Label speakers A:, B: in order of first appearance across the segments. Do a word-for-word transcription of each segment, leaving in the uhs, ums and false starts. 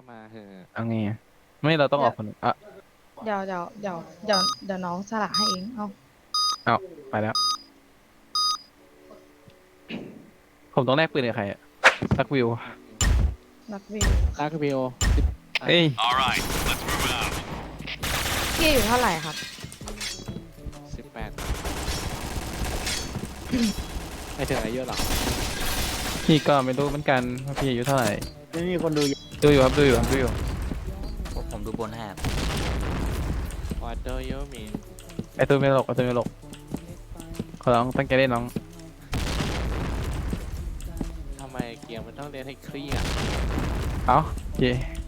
A: มาเถอะ
B: เอาไงอะไม่เราต้องออกคนหนึ่งอ่ะ
C: เดี๋ยวเดี๋ยวเดี๋ยวเดี๋ยวเดี๋ยวน้องสละให้เองเอา
B: เอาไปแล้ว ผมต้องแลกปืนกับใครอะสักวิว
C: รักวิว
A: ลากวิว
B: เอ้ย
D: Alright, let's move out.
C: พี่อยู่เท่าไหร่ครับ
A: สิบแปดไม่ถึงอายุหรอ
B: พี่ก็ไม่รู้เหมือนกันว่าพี่อายุเท่าไหร่
E: ไม่มีคนดู
B: ดูอยู่ครับดูอยู่ครับดูอยู่
F: ผมผมดูบนให้ครับ
A: What do you mean
B: ไอตัวไม่หลกไอตัวไม่หลกขอร้องตั้งใจเล่นน้อง
A: ทำไมเกมมันต้องเล่นให้เครียด
B: เอาโอเค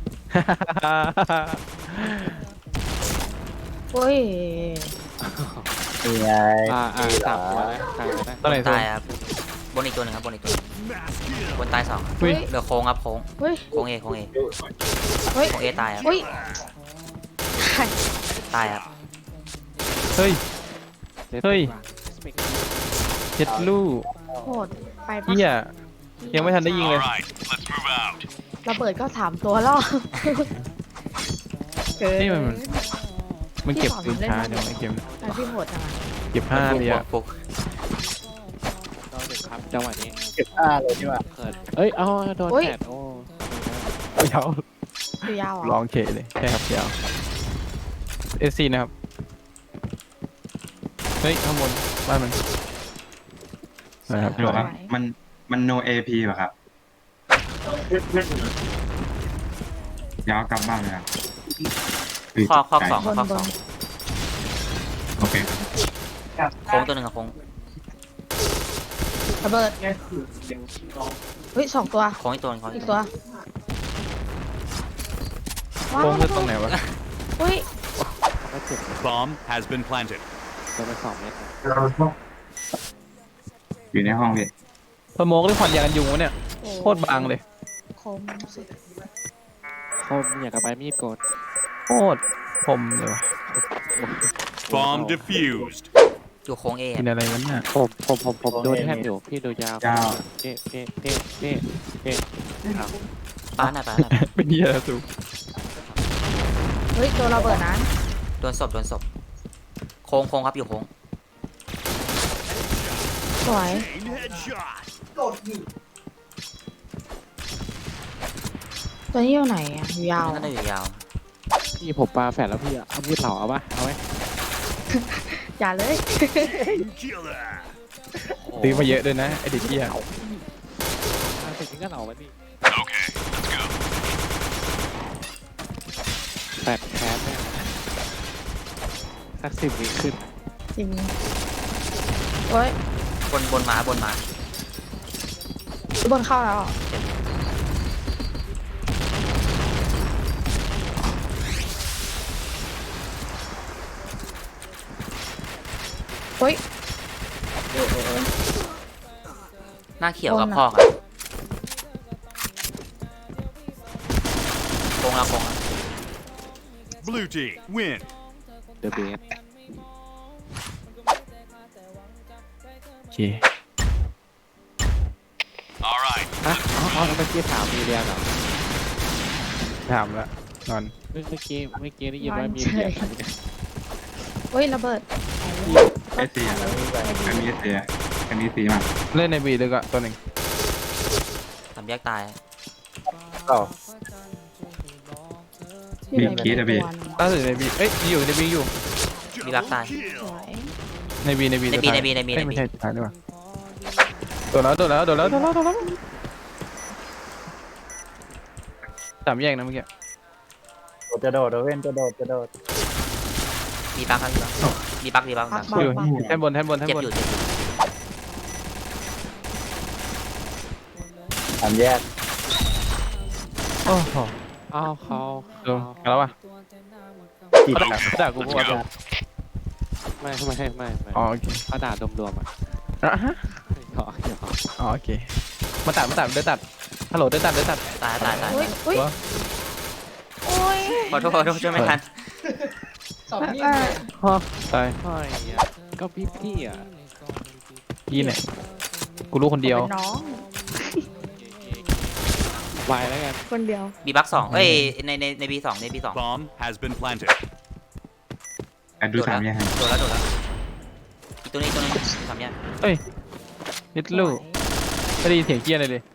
C: โอ้ย
E: นี่ไง
A: อ่าอ่าสามตัวนะใครก็ได้
B: ตัวไหนตัว
F: ตายครับบนอีกตัวหนึ่งครับบนอีกตัวหนึ่งบนตายสองครับ
B: อุ้ย
F: เหลือโค้งครับโค้ง
C: เฮ้ย
F: โค้งเอโค้งเอ
C: เฮ้ย
F: โค้งเอตายครับ
C: เฮ้ยใคร
F: ตายครับ
B: เฮ้ย เฮ้ย
A: สเปก
B: เจ็ดลูก
C: โหดไปปะ
B: เฮียยังไม่ทันได้ยิงเลย
D: Alright, let's move out.
C: ระเบิดก็สามตัวแล้วเกิน
B: นี่มันมันเก็บปืนช้าจังไอเกม
C: ไอพี่โหดจังอะ
B: เก็บห้าเลยอะ
F: ฟุก
A: ต้องเด็กครับจังหวะนี้
E: เก็บอ้าเลยนี่ว่า
A: เกิดเอ้ยเอาโดนแผดโอ้
B: เดี๋ยว
C: คือยาวเหร
B: ล
C: อ
B: องเคเลยใช่ครับยาวเอซีนะครับเฮ้ยข้างบนบ้านมันนะครับ
G: ฮัลโหลครับ มัน มัน no เอ พี ป่ะครับเดี๋ยวเอากลับบ้านเลยครับย
F: ข้อข้อ
G: ไก่
F: สอง
C: บน
F: ข้อบ สอน ง
G: โอเคครับ
F: โค้งตัวหนึ่งครับโค้ง
C: ระเบิดเฮ้ยสองตัว
F: โค้งอีกตัวหนึ่งโค้ง
C: อี
F: อี
C: ก
F: ก
C: ตั
F: ตัว ว
C: ว้าว
B: โค้งคือตรงไหนวะ
C: เฮ้ย
A: ก็เจ็บ
D: Bomb has been planted.
A: โดนไปสองเมตร
G: อยู่ในห้องพี่
B: สโมกหรือควันยากันยุงวะเนี่ยโคตรบางเลย
C: คมสุด
A: คมอยากกับใบมีดโกน
B: โคตรคมเลยวะ
D: Bomb defused.
F: อยู่โค้งเอ
B: กินอะไรกันเนี่ย
A: ผมผมผมผมโดนแทบอยู่พี่ดูยาวเอ๊ะเอ๊ะเอ๊ะเอ๊ะเอ๊ะเอา
F: ป้าหน่อยป้าหน่อย
B: เป็นเหี้ยอะไรสู
C: เฮ้ยโดนระเบิดนั้น
F: โดนศพโดนศพโค้งโค้งครับอยู่โค้ง
C: สวย
D: Chain headshot.
C: ตัวนี้อยู่ไหนอ่ะอยู่ยาว
F: นั่นน่าจะอยู่ยาว
A: พี่ผมปลาแฝดแล้วพี่เอามีดเหล่าเอาปะเอาไหม
C: อย่าเลย
D: Killer.
B: ซื้อมาเยอะด้วยนะไอเด็กเหี้ย
A: เอาถึงนี้ก็เหล่ามันดิ
D: Okay, let's go.
A: แฝดแคสเนี่ยสักสิบวิขึ้น
C: จริงโอ้ย
F: บนบนมาบนมา
C: บนเข้าแล้วอ่ะเฮ้ย
F: หน้าเขียวกับบ
C: นอะ
F: พ่อครับโค้งแล้วโค้งแล้ว
D: Blue team, win.
A: เดอะเบส
B: โอเค
D: Alright,
A: ฮะอ๋ออ๋อเมื่อกี้ถามมีเรียนเหรอ
B: ถามแล้วนอน
A: เมื่อกี้เมื่อกี้ได้ยินว่ามีเรียน
C: เฮ้ยระเบิด
G: เอสซีอ่ะอันนี้เอสซีอันนี้ซีมา
B: เล่นในบีเลยก็ตัวหนึ่ง
F: ทำแยกตาย
E: ต่อ
G: มีคีดอะพี่
B: ล่าสุดในบีเอ้ยอยู่ในบีอยู่
F: มีรักตาย
C: ส
D: kill.
C: วย
B: ในบีในบี
F: ใน B ใน B ใน B ใน B
B: ไม่ใช่สุดท้ายด้วยวะโดนแล้วโดนแล้วโดนแล้วโดนแล้วโดนแล้วสามแยกนะเมื่อกี้
E: จะโดดจะเว้นจะโดดจะโดด
F: มีปักครับมีปักมีปักมีปัก
C: ปัก
B: อยู่
C: ปัก
B: แท่นบนแท่นบนแท่น
F: เจ็บบ
B: น
F: อยู่เจ็บอยู่
E: สามแยก
B: โอ้โห
A: อ้าวเขา
B: ลงกันแล้ววะ
E: จีบ
B: เขาด่าเขาด่ากูเพราะว่า
A: ไม่ไม่ไม่ไม่ไม่
B: อ๋อโอเค
A: เขาด่ารวมๆอ่ะ
B: อ่ะฮะ
A: หยอกหยอก
B: อ๋อโอเคมาตัดมาตัดเดินตัดฮัลโหลเดินตัดเดินตัด
F: ตายตายตาย
C: เฮ้ยเฮ้ย
B: ตัว
C: โอ้ย
F: ขอโทษขอโทษช่วยไม่ทัน
C: อ่ะ
B: ฮะตาย
A: เฮ้ยอ่ะก็พี่พี่อ่ะ
B: พี่ไหนกูรู้คนเดียว
C: เป็นน้อง
A: วายแล้วกัน
C: คนเดียว
F: บีบักสองเอ้ยในในในบีสองในบีสอง
D: Bomb has been planted.
G: อ่ะดูสามยังไง
F: โดนแล้วโดนแล้วอีกตัวนี้ตัวนึงสามแยก
B: เอ้ยนิดลูกไม่ได้ยินเสียงเกี้ยอะไรเลย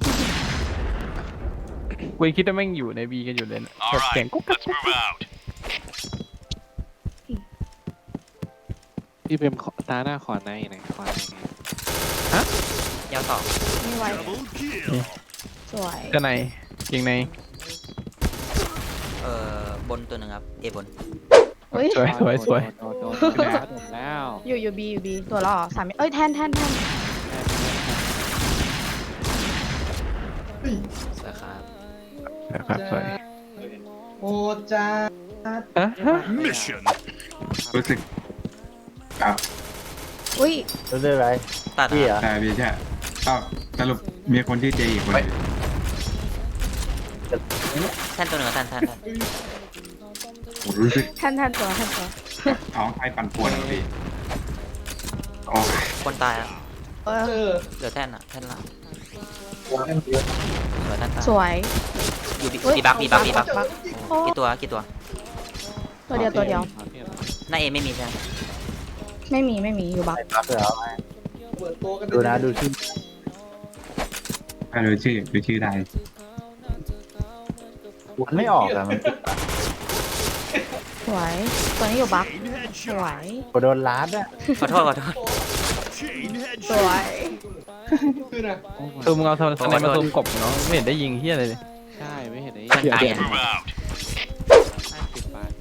B: กูยังคิดว่าแม่งอยู่ในบีกันอยู่เลยนะ
D: All
B: แบบเสียง
D: right,
B: กุ๊กกัก
D: let's move out.
A: พี่เป็นขอตาหน้าขอในหน่อยขอในไง
F: ยาวสอง
C: ไม่ไหว
D: Double kill.
C: สวย
B: จะในยิงใน
F: เอ่อบนตัวหนึ่งครับเอบน
C: เฮ้ย
B: สวยสวยสวย
A: โดนโดนโดนโดนแล้วโดนแล้ว
C: อยู่อยู่บีอยู่บีตัวละสามเอ้ยแทนแทนแทน
F: สวยครับ
B: นะครับสวย
H: โอ้จ้า
B: อะฮะ
D: Mission.
G: รู้สึกกับ
C: อุ้ย
E: รู้สึกอะไร
F: ตัด
E: พี่เหร
F: ครับ
E: อ
G: แต่บีใช่ก็สรุปมีคนที่เจอีกคนหนึ่ง
F: แท่นตัวหนึ่งครับแท่นแท่นแท่น
G: โอ้รู้สึก
C: แทนแทนตัวแทนตัว
G: ท้องไส้ปั่นป่วนอะพี่โอ้ย
F: คนตายอ่ะ
C: เออ
H: เออ
F: เหลือแท่นอ่ะแท่นละเหลือแท่นตาย
C: สวย
F: อยู่บี
C: เฮ้ย
F: บีบักบีบักบีบัก
C: บักโอ้
F: กี่ตัวกี่ตัว
C: ตัวเดียวตัวเดียว
F: หน้าเอไม่มีใช่ไหม
C: ไม่มีไม่มีอยู่บัก
E: ไอ้ปั๊บเหรอ
H: เหมือนตัวกัน
E: ดูนะดูชื่อ
G: ถ้าดูชื่อดูชื่อได้
E: มันไม่ออกอะมัน
C: สวยตัวนี้อยู่บัก
D: Chain
C: สวย
D: headshot.
E: กดโดนล้าดอะ
F: ขอโทษขอโทษ
D: Chain
C: สว
D: headshot.
C: ย
H: คือนะ
B: ซูมเอาโทรศัพท์มาซูมกบเนาะไม่เห็นได้ยิงเฮียอะไรเลย
A: ใช่ไม่เห็นไอ้
F: เพื่อนตายอ่ะ
D: Move out.
A: ห้าสิบบาท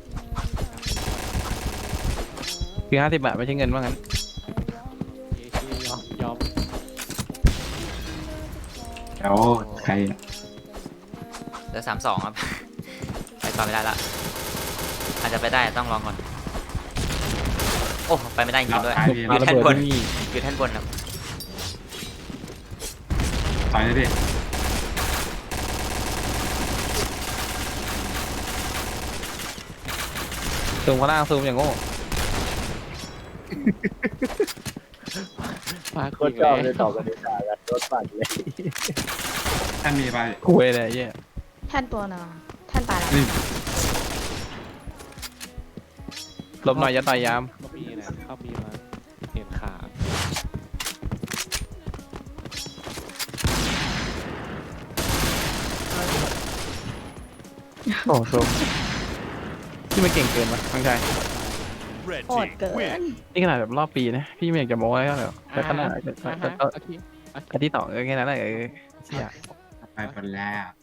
B: คือห้าสิบบาทไม่ใช่เงินว่างั้น
A: เอชียอมยอม
G: แล้วใคร
F: เหลือสามสองครับ ไปต่อไม่ได้ละอาจจะไปได้ต้องลองก่อน โอ้ไปไม่ได้จริงๆด้วย
G: ตายพี่
F: อ
B: มา
F: ยู่
B: ระ
F: แท่น
B: เบิด
F: บน
B: ที่นี่
F: อยู่แท่นบนครับ
G: ต่อยเลยพี่
B: ซูมข้างล่างซูมอย่างโง่
A: มา
E: โค
A: คุย
E: ตรช
A: กั
E: อบ
A: น
E: เลยตอบกันดีกว่ากันรถปั่นเลย
G: ท่านมีไป
B: คุยเลยเฮีย
C: แทนตัวหนึงแทนตายแล้ว
G: นี่
B: ลบหน่อยอย่าต่อยยาม
A: เขามีนะเขามีมาเห็นขา
B: โอ้ซูมที่มันเก่งเกินวะทั้งใจ
D: Red
C: โหด
D: team
C: เกิน
D: win.
B: นี่ขนาดแบบรอบปีนะพี่ไม่อยากจะโม้แล้วเหรอแต่ขนาด
A: อ่าฮะโอเค
B: อาที่ต่อเออแค่นั้นแหละเออเสีย
G: ไปหมดแล้ว